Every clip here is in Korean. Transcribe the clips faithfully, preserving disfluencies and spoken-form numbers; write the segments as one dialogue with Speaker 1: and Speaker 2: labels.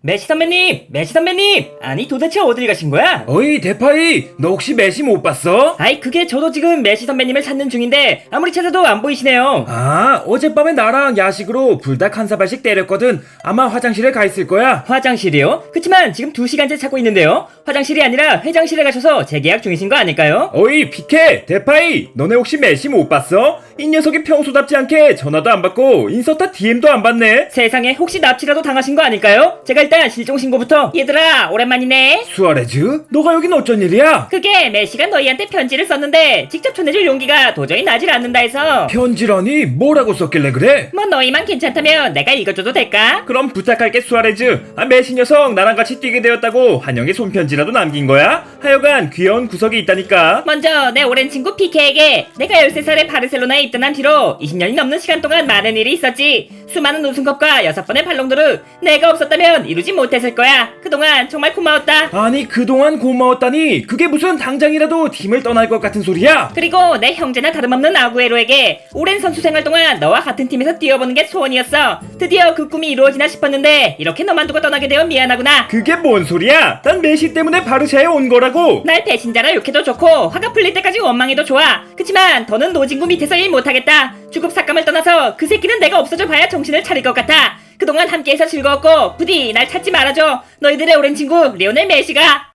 Speaker 1: 메시 선배님! 메시 선배님! 아니 도대체 어딜 가신 거야?
Speaker 2: 어이 대파이, 너 혹시 메시 못 봤어?
Speaker 1: 아이 그게 저도 지금 메시 선배님을 찾는 중인데 아무리 찾아도 안 보이시네요.
Speaker 2: 아, 어젯밤에 나랑 야식으로 불닭 한 사발씩 때렸거든. 아마 화장실에 가 있을 거야.
Speaker 1: 화장실이요? 그치만 지금 두 시간째 찾고 있는데요. 화장실이 아니라 회장실에 가셔서 재계약 중이신 거 아닐까요?
Speaker 2: 어이 피케, 대파이, 너네 혹시 메시 못 봤어? 이 녀석이 평소답지 않게 전화도 안 받고 인스타 디엠도 안 받네.
Speaker 1: 세상에 혹시 납치라도 당하신 거 아닐까요? 제가 일단 실종신고부터. 얘들아 오랜만이네.
Speaker 2: 수아레즈? 너가 여긴 어쩐 일이야?
Speaker 1: 그게 메시가 너희한테 편지를 썼는데 직접 전해줄 용기가 도저히 나질 않는다 해서.
Speaker 2: 편지라니? 뭐라고 썼길래 그래?
Speaker 1: 뭐 너희만 괜찮다면 내가 읽어줘도 될까?
Speaker 2: 그럼 부탁할게 수아레즈. 아, 메시 녀석 나랑 같이 뛰게 되었다고 환영의 손편지라도 남긴 거야? 하여간 귀여운 구석이 있다니까.
Speaker 1: 먼저 내 오랜 친구 피케에게 내가 열세 살에 바르셀로나에 입단한 뒤로 이십 년이 넘는 시간 동안 많은 일이 있었지. 수많은 우승컵과 여섯 번의 발롱도르. 내가 없었다면 이루지 못했을 거야. 그동안 정말 고마웠다.
Speaker 2: 아니 그동안 고마웠다니 그게 무슨 당장이라도 팀을 떠날 것 같은 소리야?
Speaker 1: 그리고 내 형제나 다름없는 아구에로에게 오랜 선수 생활 동안 너와 같은 팀에서 뛰어보는 게 소원이었어. 드디어 그 꿈이 이루어지나 싶었는데 이렇게 너만 두고 떠나게 되어 미안하구나.
Speaker 2: 그게 뭔 소리야? 난 메시 때문에 바르샤에 온 거라고.
Speaker 1: 날 배신자라 욕해도 좋고 화가 풀릴 때까지 원망해도 좋아. 그치만 더는 노진구 밑에서 일 못하겠다. 주급 삭감을 떠나서 그 새끼는 내가 없어져 봐야 정신을 차릴 것 같아. 그동안 함께해서 즐거웠고 부디 날 찾지 말아줘. 너희들의 오랜 친구 리오넬 메시가.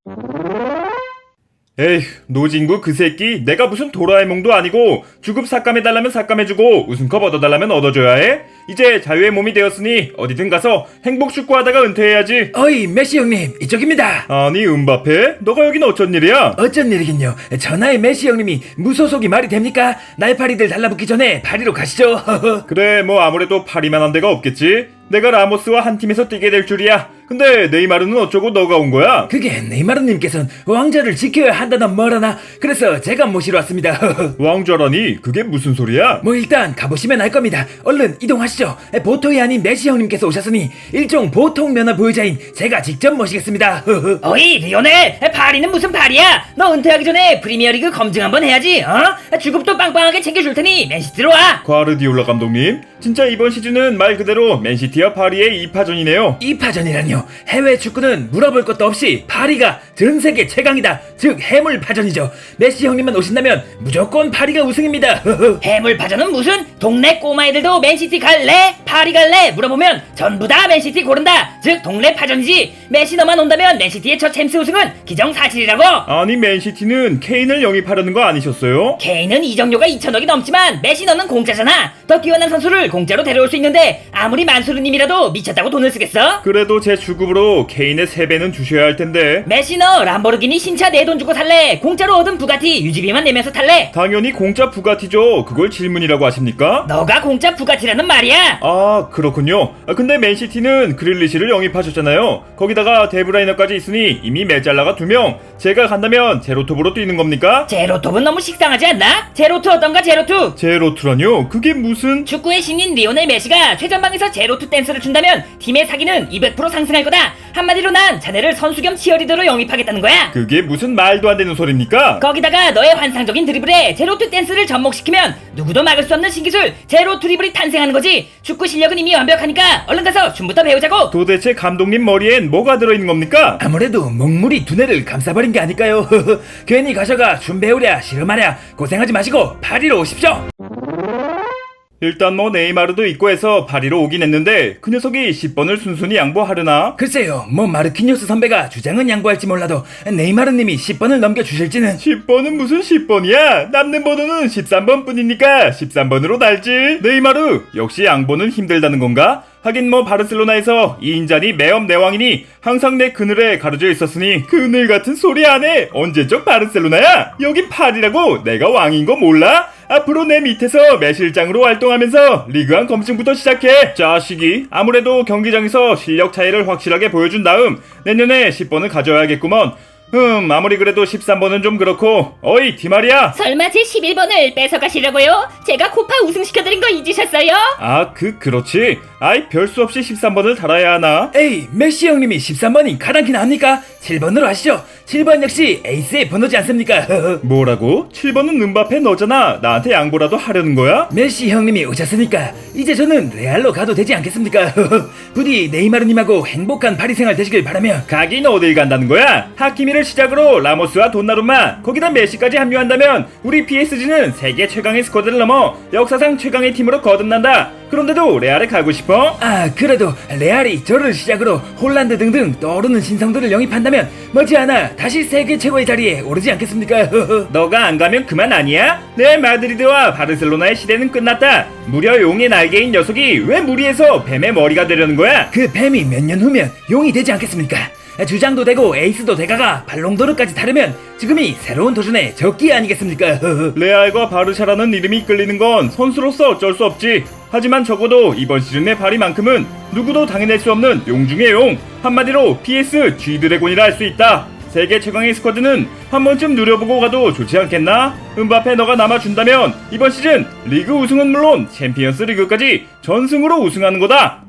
Speaker 2: 에휴, 노진구 그 새끼 내가 무슨 도라에몽도 아니고 주급 삭감해달라면 삭감해주고 우승컵 얻어달라면 얻어줘야 해? 이제 자유의 몸이 되었으니 어디든 가서 행복 축구하다가 은퇴해야지.
Speaker 3: 어이 메시 형님 이쪽입니다.
Speaker 2: 아니 은바페? 너가 여긴 어쩐 일이야?
Speaker 3: 어쩐 일이긴요. 전화에 메시 형님이 무소속이 말이 됩니까? 날파리들 달라붙기 전에 파리로 가시죠.
Speaker 2: 그래 뭐 아무래도 파리만 한 데가 없겠지. 내가 라모스와 한 팀에서 뛰게 될 줄이야. 근데 네이마르는 어쩌고 너가 온 거야?
Speaker 3: 그게 네이마르님께서는 왕자를 지켜야 한다나 뭐라나 그래서 제가 모시러 왔습니다.
Speaker 2: 왕좌라니? 그게 무슨 소리야?
Speaker 3: 뭐 일단 가보시면 알 겁니다. 얼른 이동하시죠. 보통이 아닌 메시 형님께서 오셨으니 일종 보통 면허 보유자인 제가 직접 모시겠습니다.
Speaker 1: 어이 리오넬, 파리는 무슨 파리야? 너 은퇴하기 전에 프리미어리그 검증 한번 해야지. 어? 주급도 빵빵하게 챙겨줄 테니 맨시티로 와.
Speaker 2: 과르디올라 감독님, 진짜 이번 시즌은 말 그대로 맨시티와 파리의 이파전이네요.
Speaker 3: 이파전이라뇨. 해외 축구는 물어볼 것도 없이 파리가 전 세계 최강이다. 즉 해물파전이죠. 메시 형님만 오신다면 무조건 파리가 우승입니다.
Speaker 1: 해물파전은 무슨? 동네 꼬마애들도 맨시티 갈래? 파리 갈래? 물어보면 전부 다 맨시티 고른다. 즉 동네 파전이지. 메시 너만 온다면 맨시티의 첫 챔스 우승은 기정사실이라고.
Speaker 2: 아니 맨시티는 케인을 영입하려는 거 아니셨어요?
Speaker 1: 케인은 이적료가 이천억이 넘지만 메시 너는 공짜잖아. 더 뛰어난 선수를 공짜로 데려올 수 있는데 아무리 만수르님이라도 미쳤다고 돈을 쓰겠어?
Speaker 2: 그래도 제 주급으로 케인의 세 배는 주셔야 할 텐데.
Speaker 1: 메시 너 람보르기니 신차 내 돈 주고 살래? 공짜로 얻은 부가티 유지비만 내면서 탈래?
Speaker 2: 당연히 공짜 부가티죠. 그걸 질문이라고 하십니까?
Speaker 1: 너가 공짜 부가티라는 말이야.
Speaker 2: 아 그렇군요. 아, 근데 맨시티는 그릴리시를 영입하셨잖아요. 거기다가 데브라이너까지 있으니 이미 메잘라가 두 명. 제가 간다면 제로톱으로 뛰는 겁니까?
Speaker 1: 제로톱은 너무 식상하지 않나? 제로투 어떤가 제로투?
Speaker 2: 제로투라뇨? 그게 무슨...
Speaker 1: 축구의 신인 리오넬 메시가 최전방에서 제로투 댄스를 춘다면 팀의 사기는 이백 퍼센트 상승할 거다. 한마디로 난 자네를 선수 겸 치어리더로 영입하겠다는 거야.
Speaker 2: 그게 무슨 말도 안 되는 소리입니까?
Speaker 1: 거기다가 너의 환상적인 드리블에 제로투 댄스를 접목시키면 누구도 막을 수 없는 신기술 제로 드리블이 탄생하는 거지. 축구 실력은 이미 완벽하니까 얼른 가서 춤부터 배우자고.
Speaker 2: 도대체 감독님 머리엔 뭐가 들어있는 겁니까?
Speaker 3: 아무래도 먹물이 두뇌를 감싸버린 게 아닐까요? 괜히 가셔가 춤 배우랴 씨름하랴 고생하지 마시고 파리로 오십시오.
Speaker 2: 일단 뭐 네이마르도 있고 해서 파리로 오긴 했는데 그 녀석이 십 번을 순순히 양보하려나?
Speaker 3: 글쎄요, 뭐 마르키뉴스 선배가 주장은 양보할지 몰라도 네이마르님이 십 번을 넘겨주실지는.
Speaker 2: 십 번은 무슨 십 번이야? 남는 번호는 십삼 번 뿐이니까 십삼 번으로 달지. 네이마르 역시 양보는 힘들다는 건가? 하긴 뭐 바르셀로나에서 이 인자니 매엄 내왕이니 항상 내 그늘에 가려져 있었으니 그늘 같은 소리 안 해. 언제적 바르셀로나야? 여긴 파리라고. 내가 왕인 거 몰라? 앞으로 내 밑에서 매실장으로 활동하면서 리그한 검증부터 시작해. 자식이 아무래도 경기장에서 실력 차이를 확실하게 보여준 다음 내년에 십 번을 가져야겠구먼. 흠, 아무리 그래도 십삼 번은 좀 그렇고. 어이, 디마리아.
Speaker 1: 설마 제 십일 번을 뺏어가시려고요? 제가 코파 우승시켜드린 거 잊으셨어요?
Speaker 2: 아, 그 그렇지. 아이, 별 수 없이 십삼 번을 달아야 하나?
Speaker 3: 에이, 메시 형님이 십삼 번이 가당키나 합니까? 칠 번으로 하시죠. 칠 번 역시 에이스의 번호지 않습니까?
Speaker 2: 뭐라고? 칠 번은 은바페 너잖아. 나한테 양보라도 하려는 거야?
Speaker 3: 메시 형님이 오셨으니까 이제 저는 레알로 가도 되지 않겠습니까? 부디 네이마르님하고 행복한 파리 생활 되시길 바라며.
Speaker 2: 가긴 어딜 간다는 거야? 하키미를 시작으로 라모스와 돈나룸마, 거기다 메시까지 합류한다면 우리 피에스지는 세계 최강의 스쿼드를 넘어 역사상 최강의 팀으로 거듭난다. 그런데도 레알에 가고 싶어?
Speaker 3: 아, 그래도 레알이 저를 시작으로 홀란드 등등 떠오르는 신성들을 영입한다면 머지않아 다시 세계 최고의 자리에 오르지 않겠습니까?
Speaker 2: 너가 안 가면 그만 아니야? 레알 마드리드와 바르셀로나의 시대는 끝났다. 무려 용의 날개인 녀석이 왜 무리해서 뱀의 머리가 되려는 거야?
Speaker 3: 그 뱀이 몇 년 후면 용이 되지 않겠습니까? 주장도 되고 에이스도 되가가 발롱도르까지 타르면 지금이 새로운 도전의 적기 아니겠습니까?
Speaker 2: 레알과 바르샤라는 이름이 끌리는 건 선수로서 어쩔 수 없지. 하지만 적어도 이번 시즌의 파리만큼은 누구도 당해낼 수 없는 용 중의 용, 한마디로 피에스 G드래곤이라 할 수 있다. 세계 최강의 스쿼드는 한 번쯤 누려보고 가도 좋지 않겠나? 은바페 너가 남아준다면 이번 시즌 리그 우승은 물론 챔피언스 리그까지 전승으로 우승하는 거다.